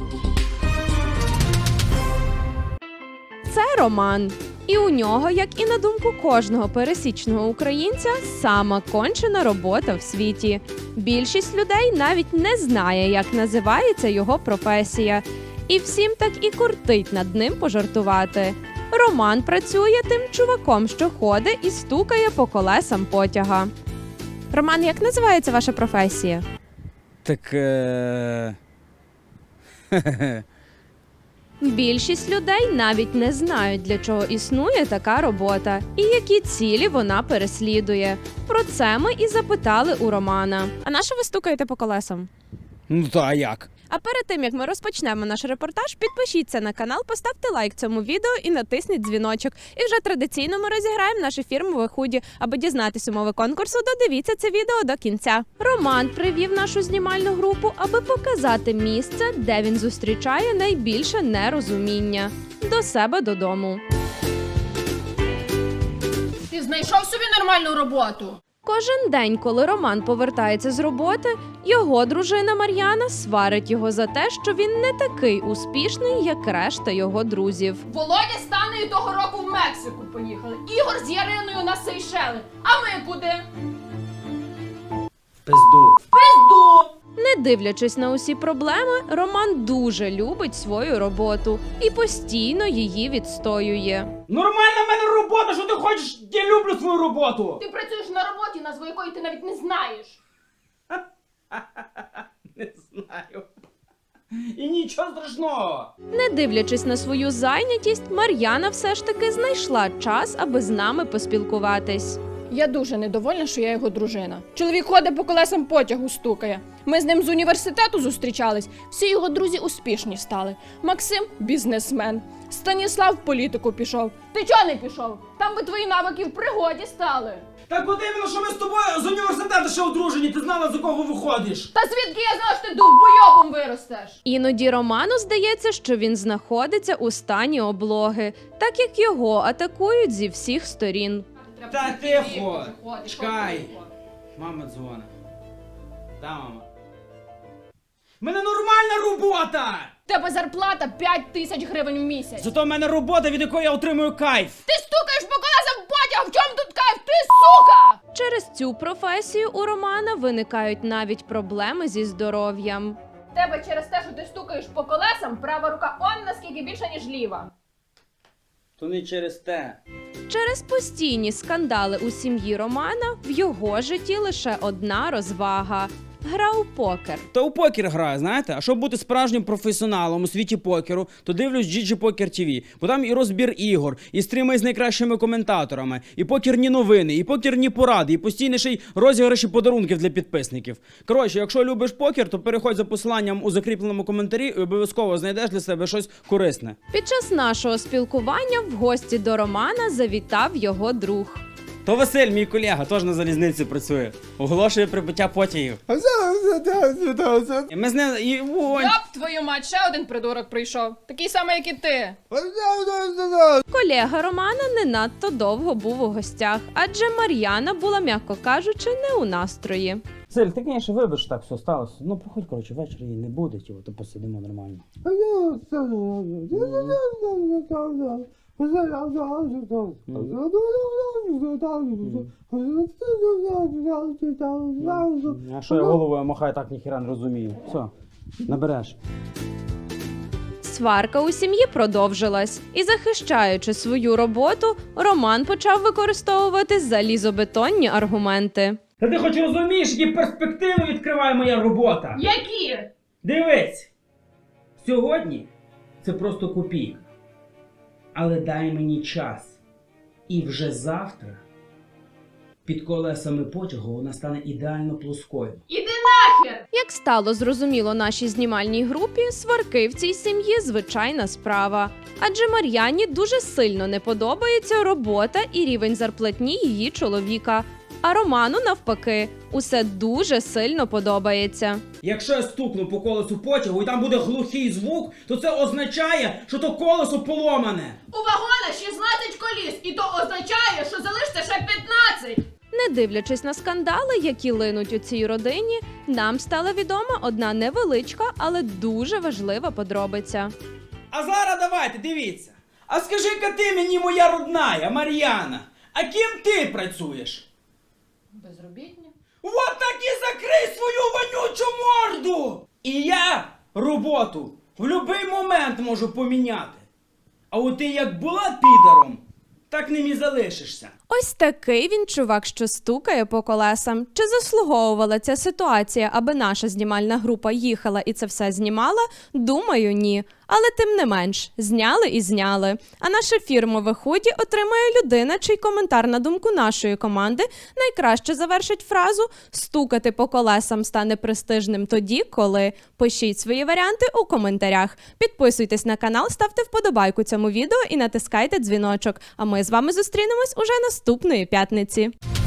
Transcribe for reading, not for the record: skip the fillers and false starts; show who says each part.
Speaker 1: Це Роман. І у нього, як і на думку кожного пересічного українця, сама кончена робота в світі. Більшість людей навіть не знає, як називається його професія. І всім так і кортить над ним пожартувати. Роман працює тим чуваком, що ходить і стукає по колесам потяга. Роман, як називається ваша професія?
Speaker 2: Так,
Speaker 1: Більшість людей навіть не знають, для чого існує така робота і які цілі вона переслідує. Про це ми і запитали у Романа. А на що ви стукаєте по колесам?
Speaker 2: ну та а як?
Speaker 1: А перед тим, як ми розпочнемо наш репортаж, підпишіться на канал, поставте лайк цьому відео і натисніть дзвіночок. І вже традиційно ми розіграємо наше фірмове худі. Аби дізнатися умови конкурсу, додивіться це відео до кінця. Роман привів нашу знімальну групу, аби показати місце, де він зустрічає найбільше нерозуміння – до себе додому.
Speaker 3: Ти знайшов собі нормальну роботу?
Speaker 1: Кожен день, коли Роман повертається з роботи, його дружина Мар'яна сварить його за те, що він не такий успішний, як решта його друзів.
Speaker 3: Володя з Танею того року в Мексику поїхали. Ігор з Яриною на Сейшели. А ми куди?
Speaker 2: Пизду.
Speaker 3: Пизду!
Speaker 1: Не дивлячись на усі проблеми, Роман дуже любить свою роботу і постійно її відстоює.
Speaker 2: Нормальна в мене робота, що ти хочеш? Я люблю свою роботу.
Speaker 3: Ти працюєш на роботі, назву якої ти навіть не знаєш.
Speaker 2: Не знаю. І нічого страшного.
Speaker 1: Не дивлячись на свою зайнятість, Мар'яна все ж таки знайшла час, аби з нами поспілкуватись.
Speaker 3: Я дуже недовольна, що я його дружина. Чоловік ходить по колесам потягу, стукає. Ми з ним з університету зустрічались. Всі його друзі успішні стали. Максим – бізнесмен. Станіслав в політику пішов. Ти чого не пішов? Там би твої навики в пригоді стали.
Speaker 2: Так от іменно, що ми з тобою з університету ще одружені, ти знала, за кого виходиш.
Speaker 3: Та звідки я знала, що ти довбойобом виростеш?
Speaker 1: Іноді Роману здається, що він знаходиться у стані облоги, так як його атакують зі всіх сторін.
Speaker 2: Та тихо, чекай. Мама дзвонить. Да, мама. В мене нормальна робота!
Speaker 3: Тебе зарплата 5000 гривень в місяць.
Speaker 2: Зато в мене робота, від якої я отримую кайф.
Speaker 3: Ти стукаєш по колесам потяг, в чому тут кайф? Ти сука!
Speaker 1: Через цю професію у Романа виникають навіть проблеми зі здоров'ям.
Speaker 3: Тебе через те, що ти стукаєш по колесам, права рука он наскільки більша, ніж ліва.
Speaker 2: То не через те.
Speaker 1: Через постійні скандали у сім'ї Романа в його житті лише одна розвага – гра у покер.
Speaker 2: Та у покер граю, знаєте? А щоб бути справжнім професіоналом у світі покеру, то дивлюсь GG Poker TV. Бо там і розбір ігор, і стріми з найкращими коментаторами, і покерні новини, і покерні поради, і постійно ще й розіграші подарунків для підписників. Коротше, якщо любиш покер, то переходь за посиланням у закріпленому коментарі і обов'язково знайдеш для себе щось корисне.
Speaker 1: Під час нашого спілкування в гості до Романа завітав його друг.
Speaker 2: То Василь, мій колега, теж на залізниці працює. Оголошує прибуття потягів. Ми з ним і вогонь.
Speaker 3: Йоп, твою мать, ще один придурок прийшов. Такий самий, як і ти.
Speaker 1: Колега Романа не надто довго був у гостях, адже Мар'яна була, м'яко кажучи, не у настрої.
Speaker 2: Василь, ти, звісно, вибач, так все сталося. Ну, приходь, коротше, ввечері її не буде, то посидимо нормально. А що я головою махаю, так ніхіра не розумію. Все, набереш.
Speaker 1: Сварка у сім'ї продовжилась, і захищаючи свою роботу, Роман почав використовувати залізобетонні аргументи.
Speaker 2: Та ти хоч розумієш, які перспективи відкриває моя робота?
Speaker 3: Які?
Speaker 2: Дивись! Сьогодні це просто копійка. Але дай мені час. І вже завтра під колесами потягу вона стане ідеально плоскою.
Speaker 3: Іди нахер!
Speaker 1: Як стало зрозуміло нашій знімальній групі, сварки в цій сім'ї – звичайна справа. Адже Мар'яні дуже сильно не подобається робота і рівень зарплатні її чоловіка. А Роману, навпаки, усе дуже сильно подобається.
Speaker 2: Якщо я стукну по колесу потягу і там буде глухий звук, то це означає, що то колесо поломане.
Speaker 3: У вагона 16 коліс, і то означає, що залишиться ще 15.
Speaker 1: Не дивлячись на скандали, які линуть у цій родині, нам стала відома одна невеличка, але дуже важлива подробиця.
Speaker 2: А зараз давайте, дивіться. А скажи-ка ти мені, моя родная, Мар'яна, а ким ти працюєш?
Speaker 3: Безробітні.
Speaker 2: Вот так і закрий свою вонючу морду! І я роботу в будь-який момент можу поміняти. А от ти як була підаром, так ним і залишишся.
Speaker 1: Ось такий він чувак, що стукає по колесам. Чи заслуговувала ця ситуація, аби наша знімальна група їхала і це все знімала? Думаю, ні. Але тим не менш, зняли і зняли. А наше фірмове худі отримає людина, чий коментар на думку нашої команди найкраще завершить фразу «стукати по колесам стане престижним тоді, коли…». Пишіть свої варіанти у коментарях. Підписуйтесь на канал, ставте вподобайку цьому відео і натискайте дзвіночок. А ми з вами зустрінемось уже наступної п'ятниці.